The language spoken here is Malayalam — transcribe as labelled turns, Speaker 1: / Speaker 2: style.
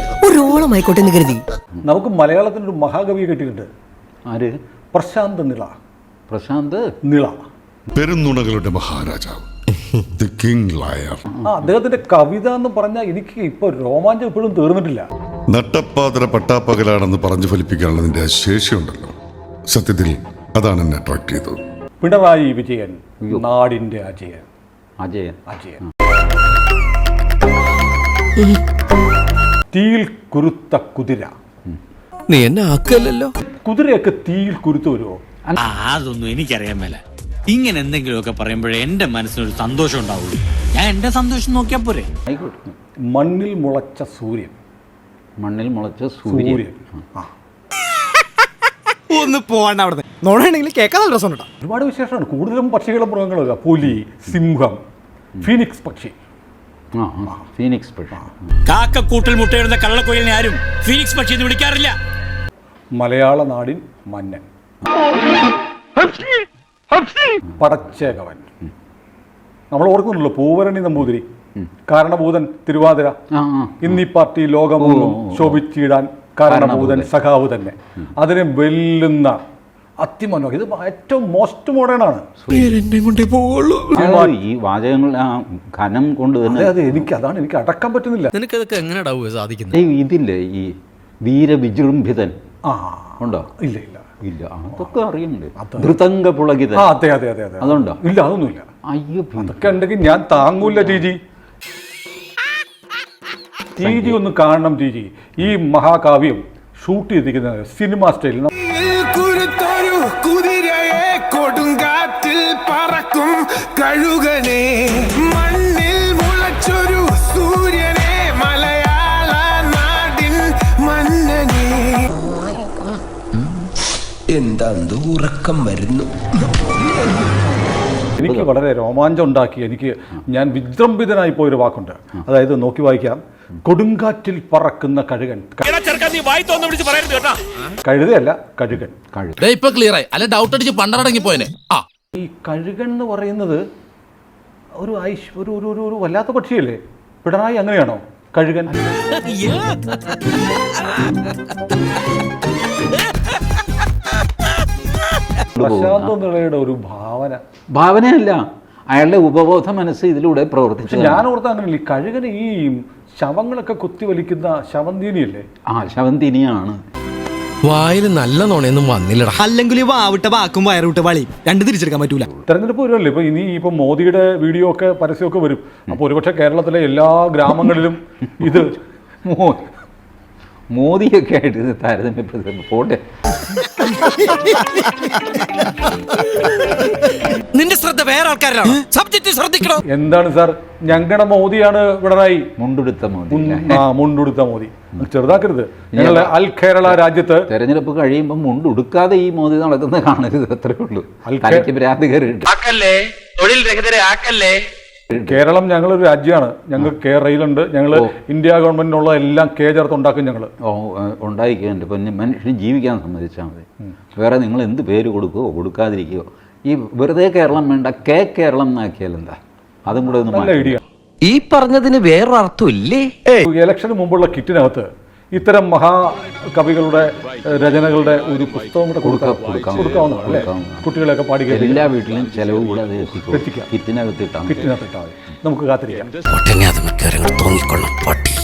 Speaker 1: ഒരു ഓളമായിക്കോട്ടെ എന്ന് കരുതി.
Speaker 2: നമുക്ക് മലയാളത്തിനൊരു മഹാകവിയെ കിട്ടിയിട്ടുണ്ട്.
Speaker 3: ആര്?
Speaker 2: പ്രശാന്ത് നിള.
Speaker 3: പ്രശാന്ത്
Speaker 2: നിള,
Speaker 4: പെരുന്നുണകളുടെ മഹാരാജാവ്, ദി കിങ് ലയർ.
Speaker 2: അദ്ദേഹത്തിന്റെ കവിത എന്ന് പറഞ്ഞാൽ എനിക്ക് ഇപ്പൊ രോമാഞ്ചം ഇപ്പോഴും തീർന്നിട്ടില്ല.
Speaker 4: നട്ടപ്പാതിര പട്ടാപ്പകലാണെന്ന് പറഞ്ഞു ഫലിപ്പിക്കാനുള്ളതിന്റെ ശേഷിയുണ്ടല്ലോ. സത്യത്തിൽ അതാണ് എന്നെ അട്രാക്ട് ചെയ്തത്.
Speaker 2: പിണറായി വിജയൻ, നാടിന്റെ അജയൻ.
Speaker 3: അജയൻ.
Speaker 2: അജയൻ. തീയിൽ കുരുത്ത കുതിര.
Speaker 1: നീ എന്നെ ആക്കല്ലോ.
Speaker 2: കുതിരയൊക്കെ തീയിൽ കുരുത്ത് വരുമോ?
Speaker 5: അതൊന്നും എനിക്കറിയാൻ മേല. ഇങ്ങനെ എന്തെങ്കിലുമൊക്കെ പറയുമ്പോഴേ എന്റെ മനസ്സിനൊരു സന്തോഷം ഉണ്ടാവുള്ളൂ. ഞാൻ എന്റെ സന്തോഷം നോക്കിയാ പോരെ.
Speaker 3: ആയിക്കോട്ടെ.
Speaker 2: മണ്ണിൽ മുളച്ച സൂര്യൻ.
Speaker 3: മണ്ണിൽ മുളച്ച സൂര്യൻ.
Speaker 1: ഒന്ന് പോവാണ്ട അവിടെ നോടാണെങ്കിൽ കേൾക്കാൻ നല്ല രസമുണ്ടോ.
Speaker 2: ഒരുപാട് വിശേഷമാണ്. കൂടുതലും പക്ഷികളും മൃഗങ്ങളും. പുലി, സിംഹം, ഫീനിക്സ് പക്ഷി.
Speaker 3: ഫീനിക്സ് പക്ഷി.
Speaker 5: കാക്കക്കൂട്ടിൽ മുട്ടയിടുന്ന കള്ളക്കൊയിലിനെ ആരും ഫീനിക്സ് പക്ഷി എന്ന് വിളിക്കാറില്ല.
Speaker 2: മലയാള നാടിൻ മന്നൻ, പടച്ചേകവൻ. നമ്മൾ ഓർക്കുന്നുള്ളൂ പൂവരണി നമ്പൂതിരി, കാരണഭൂതൻ തിരുവാതിര, ഇന്നീ പാർട്ടി ലോകമൊന്നും ശോഭിച്ചിടാൻ കാരണഭൂതൻ സഖാവ് തന്നെ. അതിനെ വെല്ലുന്ന അതിമനോഹരം. ഇത് ഏറ്റവും മോസ്റ്റ് മോഡേൺ ആണ്.
Speaker 3: ഈ വാചകങ്ങൾ ഘനം കൊണ്ട് തന്നെ
Speaker 2: അതാണ് എനിക്ക് അടക്കാൻ പറ്റുന്നില്ല.
Speaker 1: നിനക്കതൊക്കെ എങ്ങനെ സാധിക്കുന്നത്?
Speaker 3: ഇതില്ലേ ഈ വീരവിജൃംഭിതൻ ഉണ്ടോ?
Speaker 2: ഇല്ല ഇല്ല
Speaker 3: ഇല്ല. അതൊക്കെ അറിയുന്നുണ്ട്. ധൃതംഗ പുളകിതൻ.
Speaker 2: അതെ അതെ അതെ അതെ.
Speaker 3: അതുണ്ടോ?
Speaker 2: ഇല്ല, അതൊന്നുമില്ല.
Speaker 3: അയ്യോ,
Speaker 2: അതൊക്കെ ഉണ്ടെങ്കിൽ ഞാൻ താങ്ങൂല. ടി ജി ഒന്ന് കാണണം. ഈ മഹാകാവ്യം ഷൂട്ട് ചെയ്തിരിക്കുന്നത് സിനിമ സ്റ്റൈലിൽ.
Speaker 6: കുതിരയെ കൊടുങ്കാറ്റിൽ പറക്കും കഴുകനെ, മണ്ണിൽ മുളച്ചൊരു സൂര്യനെ, മലയാള നാടിൻ മന്നനെ.
Speaker 7: എന്താ ഉറക്കം വരുന്നു.
Speaker 2: എനിക്ക് വളരെ രോമാഞ്ചം ഉണ്ടാക്കി. ഞാൻ വിജൃംഭിതനായി പോയൊരു വാക്കുണ്ട്. അതായത് നോക്കി വായിക്കാം. കൊടുങ്കാറ്റിൽ പറക്കുന്ന കഴുകൻ. കഴുതയല്ല, കഴുകൻ.
Speaker 8: ഇപ്പൊ ക്ലിയർ ആയി. അല്ല ഡൗട്ട് അടിച്ച് പണ്ടടങ്ങി പോയനെ.
Speaker 2: ഈ കഴുകൻ എന്ന് പറയുന്നത് ഒരു വല്ലാത്ത പക്ഷിയല്ലേ? പിണറായി അങ്ങനെയാണോ? കഴുകൻ. പ്രശാന്ത് നിളയുടെ ഒരു
Speaker 3: ഭാവനയല്ല, അയാളുടെ ഉപബോധ മനസ്സ് ഇതിലൂടെ പ്രവർത്തിച്ചു.
Speaker 2: ഞാൻ ഓർത്ത അങ്ങനെയല്ല. ഈ കഴുകന് ഈ ശവങ്ങളൊക്കെ കുത്തിവലിക്കുന്ന ശവന്തീനിയല്ലേ?
Speaker 3: ശവന്തീനിയാണ്.
Speaker 1: വായിൽ നല്ല നോണയൊന്നും വന്നില്ലടാ. അല്ലെങ്കിൽ വാവിട്ട വാക്കും വയറുവിട്ട വളി രണ്ടും തിരിച്ചെടുക്കാൻ പറ്റൂല.
Speaker 2: തെരഞ്ഞെടുപ്പ് വരുമല്ലേ ഇപ്പൊ. ഇപ്പൊ മോദിയുടെ വീഡിയോ ഒക്കെ പരസ്യമൊക്കെ വരും. അപ്പൊ ഒരുപക്ഷെ കേരളത്തിലെ എല്ലാ ഗ്രാമങ്ങളിലും ഇത്
Speaker 3: മോദിയൊക്കെ ആയിട്ട് ഇത് താരതമ്യപ്പെടുത്തും. പോട്ടെ.
Speaker 1: നിന്റെ ശ്രദ്ധ വേറെ ആൾക്കാരിലാണ്. സബ്ജക്റ്റ് ശ്രദ്ധിക്കണം.
Speaker 2: എന്താണ് സാർ? ഞങ്ങളുടെ മോദിയാണ് പിണറായി.
Speaker 3: മുണ്ടുടുത്ത മോദി.
Speaker 2: മുണ്ടുടുത്ത മോദി. ചെറുതാക്കരുത്. ഞങ്ങളുടെ അൽ കേരള രാജ്യത്ത്
Speaker 3: തെരഞ്ഞെടുപ്പ് കഴിയുമ്പോൾ മുണ്ടുടുക്കാതെ ഈ മോദി നടക്കുന്നത് കാണരുത്. അത്രേ ഉള്ളൂ. തലയ്ക്ക് ഭ്രാന്ത് കയറിയിട്ട്.
Speaker 2: കേരളം ഞങ്ങളൊരു രാജ്യമാണ്. ഞങ്ങൾ റെയിലുണ്ട്. ഞങ്ങൾ ഇന്ത്യ ഗവൺമെന്റിനുള്ള എല്ലാം ചേർത്ത് ഉണ്ടാക്കും. ഞങ്ങൾ
Speaker 3: ഉണ്ടായിക്കുന്നുണ്ട്. ഇപ്പം മനുഷ്യന് ജീവിക്കാൻ സമ്മതിച്ചാൽ മതി. വേറെ നിങ്ങൾ എന്ത് പേര് കൊടുക്കുകയോ കൊടുക്കാതിരിക്കുകയോ. ഈ വെറുതെ കേരളം വേണ്ട, കേരളം എന്നാക്കിയാൽ എന്താ? അതും കൂടെ ഒന്ന്
Speaker 2: നല്ല ഐഡിയ.
Speaker 1: ഈ പറഞ്ഞതിന് വേറൊരർത്ഥം ഇല്ലേ?
Speaker 2: ഇലക്ഷന് മുമ്പുള്ള കിറ്റിനകത്ത് ഇത്തരം മഹാകവികളുടെ രചനകളുടെ ഒരു പുസ്തകം കൂടെ കൊടുക്കാവുന്നതാണ് അല്ലേ? കുട്ടികളെയൊക്കെ പാടി
Speaker 3: എല്ലാ വീട്ടിലും ചെലവ് കൂടെ അത് എത്തിക്കാം. കിറ്റിനകത്തിട്ടാൽ
Speaker 2: നമുക്ക് കാത്തിരിക്കാം.